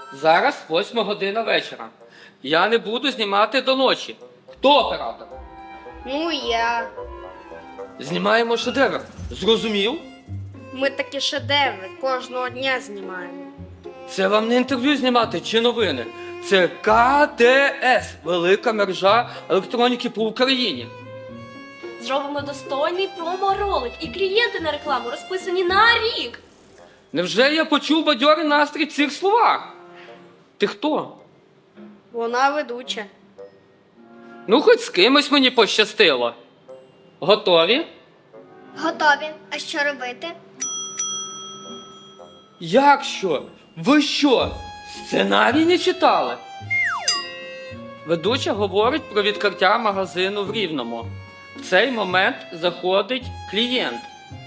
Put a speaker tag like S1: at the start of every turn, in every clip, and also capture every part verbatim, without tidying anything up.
S1: Зараз восьма година вечора. Я не буду знімати до ночі. Хто оператор?
S2: Ну, я.
S1: Знімаємо шедевр. Зрозумів?
S2: Ми такі шедеври кожного дня знімаємо.
S1: Це вам не інтерв'ю знімати чи новини. Це ка те ес – велика мережа електроніки по Україні.
S3: Зробимо достойний промо-ролик, і клієнти на рекламу розписані на рік.
S1: Невже я почув бадьорий настрій в цих словах? Ти хто?
S2: Вона ведуча.
S1: Ну, хоч з кимось мені пощастило. Готові?
S4: Готові. А що робити?
S1: Як що? Ви що? Сценарій не читали? Ведуча говорить про відкриття магазину в Рівному. В цей момент заходить клієнт,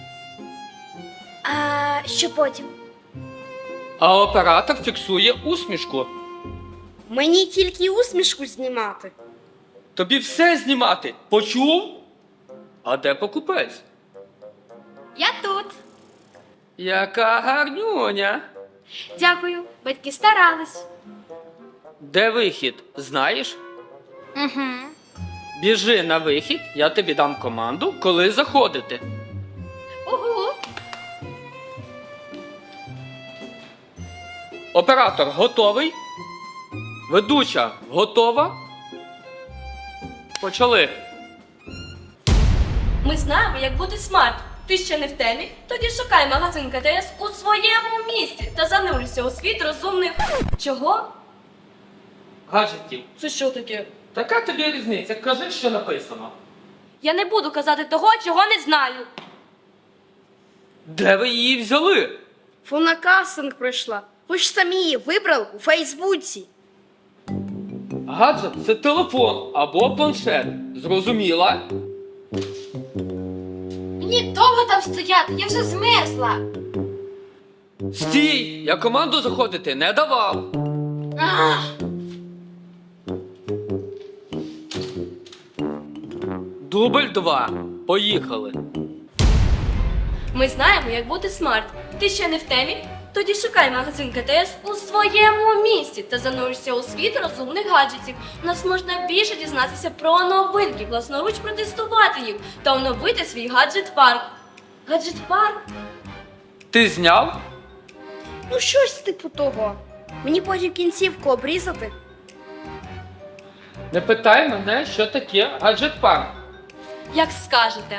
S4: А що потім?
S1: а оператор фіксує усмішку.
S2: Мені тільки усмішку знімати.
S1: Тобі все знімати. Почув? А де покупець?
S3: Я тут.
S1: Яка гарнюня.
S3: Дякую, батьки старались.
S1: Де вихід, знаєш?
S3: Угу.
S1: Біжи на вихід, я тобі дам команду, коли заходити.
S3: Угу.
S1: Оператор готовий? Ведуча готова? Почали.
S3: Ми знаємо, як бути смарт. Ти ще не в темі? Тоді шукай магазин ка те ес у своєму місті та занурюйся у світ розумних... Чого?
S1: Гаджетів.
S3: Це що таке?
S1: Така тобі різниця, кажи, що написано.
S3: Я не буду казати того, чого не знаю.
S1: Де ви її взяли?
S2: Вона кастинг пройшла. Ви ж самі її вибрали у Фейсбуці.
S1: Гаджет – це телефон або планшет. Зрозуміла?
S4: Мені довго там стояти, я вже змерзла.
S1: Стій! Я команду заходити не давав.
S4: Ах.
S1: Дубль два. Поїхали.
S3: Ми знаємо, як бути смарт. Ти ще не в темі? Тоді шукай магазин ка те ес у своєму місті та занурюйся у світ розумних гаджетів. У нас можна більше дізнатися про новинки, власноруч протестувати їх та оновити свій гаджет-парк. Гаджет-парк?
S1: Ти зняв?
S2: Ну, щось типу того. Мені потім кінцівку обрізати.
S1: Не питай мене, що таке гаджет-парк.
S3: Як скажете.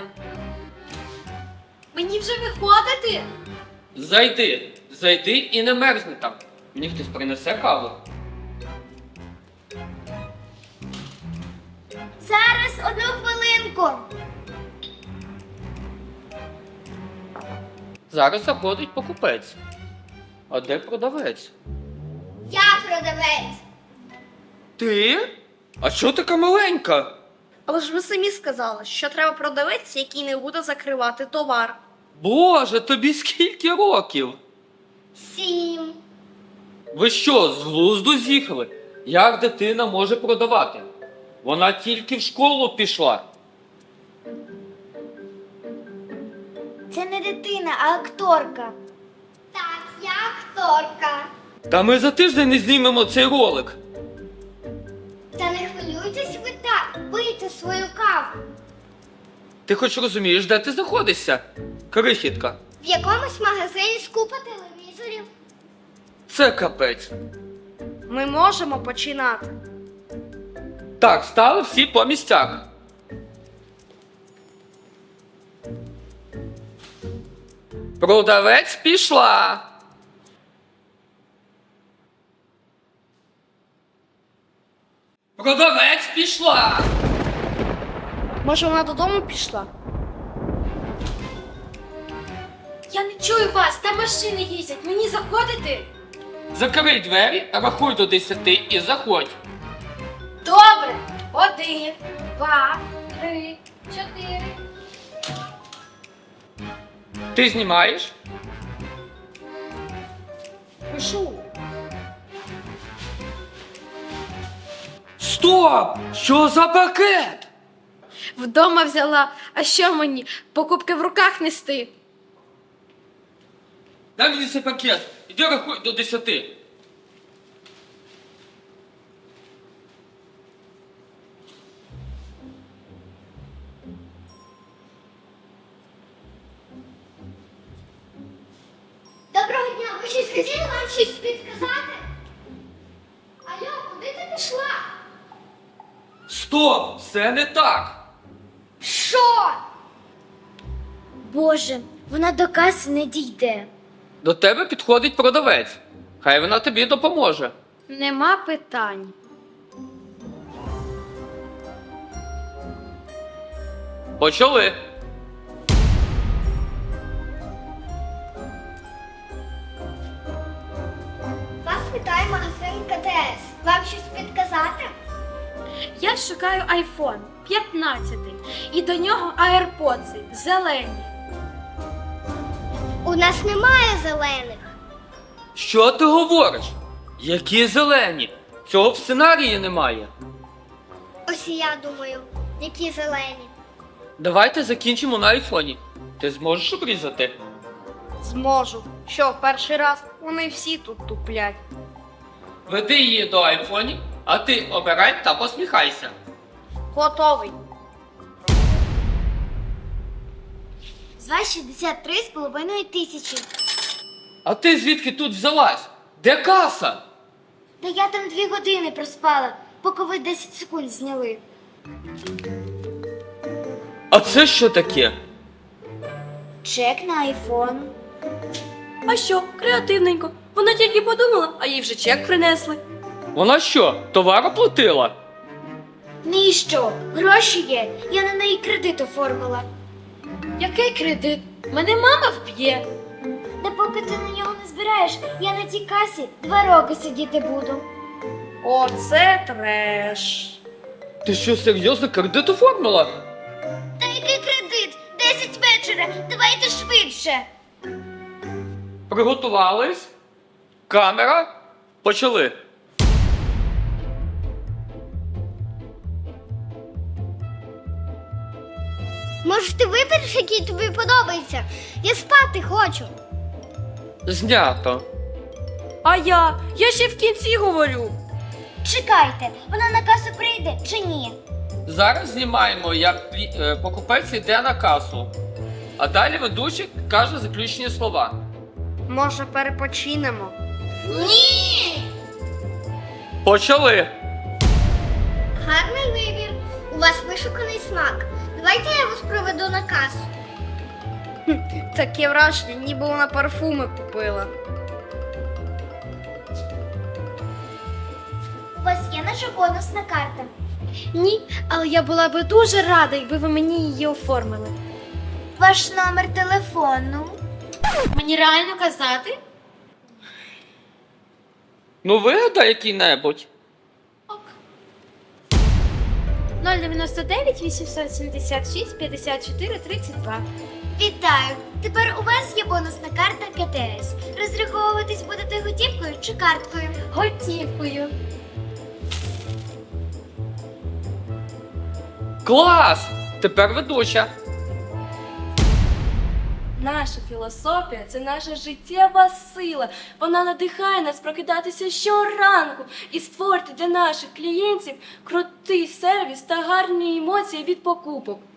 S4: Мені вже виходити?
S1: Зайди, зайди і не мерзни там. Мені хтось принесе каву.
S4: Зараз, одну хвилинку.
S1: Зараз заходить покупець. А де продавець?
S4: Я продавець.
S1: Ти? А що така маленька?
S2: Але ж ви самі сказали, що треба продавець, який не буде закривати товар.
S1: Боже, тобі скільки років?
S4: Сім.
S1: Ви що, з глузду з'їхали? Як дитина може продавати? Вона тільки в школу пішла.
S4: Це не дитина, а акторка. Так, я акторка.
S1: Та ми за тиждень не знімемо цей ролик.
S4: Та не хвилюйтесь ви так, пийте свою каву.
S1: Ти хоч розумієш, де ти знаходишся? Крихітка.
S4: В якомусь магазині з купа телевізорів.
S1: Це капець.
S2: Ми можемо починати.
S1: Так, стали всі по місцях. Продавець пішла. Продавець пішла.
S2: Може, вона додому пішла?
S4: Я не чую вас, там машини їздять, мені заходити?
S1: Закрий двері, рахуй до десяти і заходь.
S4: Добре. Один, два, три, чотири.
S1: Ти знімаєш?
S2: Пишу.
S1: Стоп! Що за пакет?
S2: Вдома взяла, а що мені? Покупки в руках нести?
S1: Дай мені цей пакет. Іди рахуй до десяти.
S4: Скажи, вам щось підказати? Алло, куди ти пішла?
S1: Стоп! Це не так!
S4: Що?
S5: Боже, вона до каси не дійде.
S1: До тебе підходить продавець. Хай вона тобі допоможе.
S5: Нема питань.
S1: Почали.
S4: Вас вітає магазин ка те ес. Вам щось підказати?
S5: Я шукаю айфон п'ятнадцятий і до нього AirPods зелені.
S4: У нас немає зелених.
S1: Що ти говориш? Які зелені? Цього в сценарії немає.
S4: Ось і я думаю, які зелені.
S1: Давайте закінчимо на айфоні. Ти зможеш обрізати?
S2: Зможу. Що, перший раз? Вони всі тут туплять.
S1: Веди її до айфонів, а ти обирай та посміхайся.
S2: Готовий.
S5: З вас шістдесят три з половиною тисячі.
S1: А ти звідки тут взялась? Де каса?
S5: Та я там дві години проспала, поки ви десять секунд зняли.
S1: А це що таке?
S5: Чек на айфон.
S3: А що, креативненько. Вона тільки подумала, а їй вже чек принесли.
S1: Вона що, товар оплатила?
S5: Ну і що? Гроші є. Я на неї кредит оформила. Який кредит? Мене мама вб'є. Та поки ти на нього не збираєш, я на тій касі два роки сидіти буду.
S2: Оце треш.
S1: Ти що, серйозно кредит оформила?
S5: Та який кредит? Десять вечора. Давайте швидше.
S1: Приготувались? Камера? Почали.
S4: Може, ти вибереш, який тобі подобається? Я спати хочу.
S1: Знято.
S3: А я? Я ще в кінці говорю.
S5: Чекайте, вона на касу прийде чи ні?
S1: Зараз знімаємо, як клі- е, покупець йде на касу. А далі ведучий каже заключні слова.
S2: Може, перепочинемо?
S4: Ні!
S1: Почали.
S4: Гарний вибір. У вас вишуканий смак. Давайте я вас проведу на касу.
S2: Таке враження, ніби вона парфуми купила.
S5: У вас є наша бонусна карта?
S6: Ні, але я була би дуже рада, якби ви мені її оформили.
S5: Ваш номер телефону.
S6: Мені реально казати?
S1: Ну вигадай який-небудь.
S6: нуль дев'яносто дев'ять вісімсот сімдесят шість п'ятдесят чотири тридцять два.
S5: Вітаю! Тепер у вас є бонусна карта ка те ес. Розраховуватись будете готівкою чи карткою?
S6: Готівкою.
S1: Клас! Тепер ведуча.
S3: Наша філософія це наша життєва сила. Вона надихає нас прокидатися щоранку і створити для наших клієнтів крутий сервіс та гарні емоції від покупок.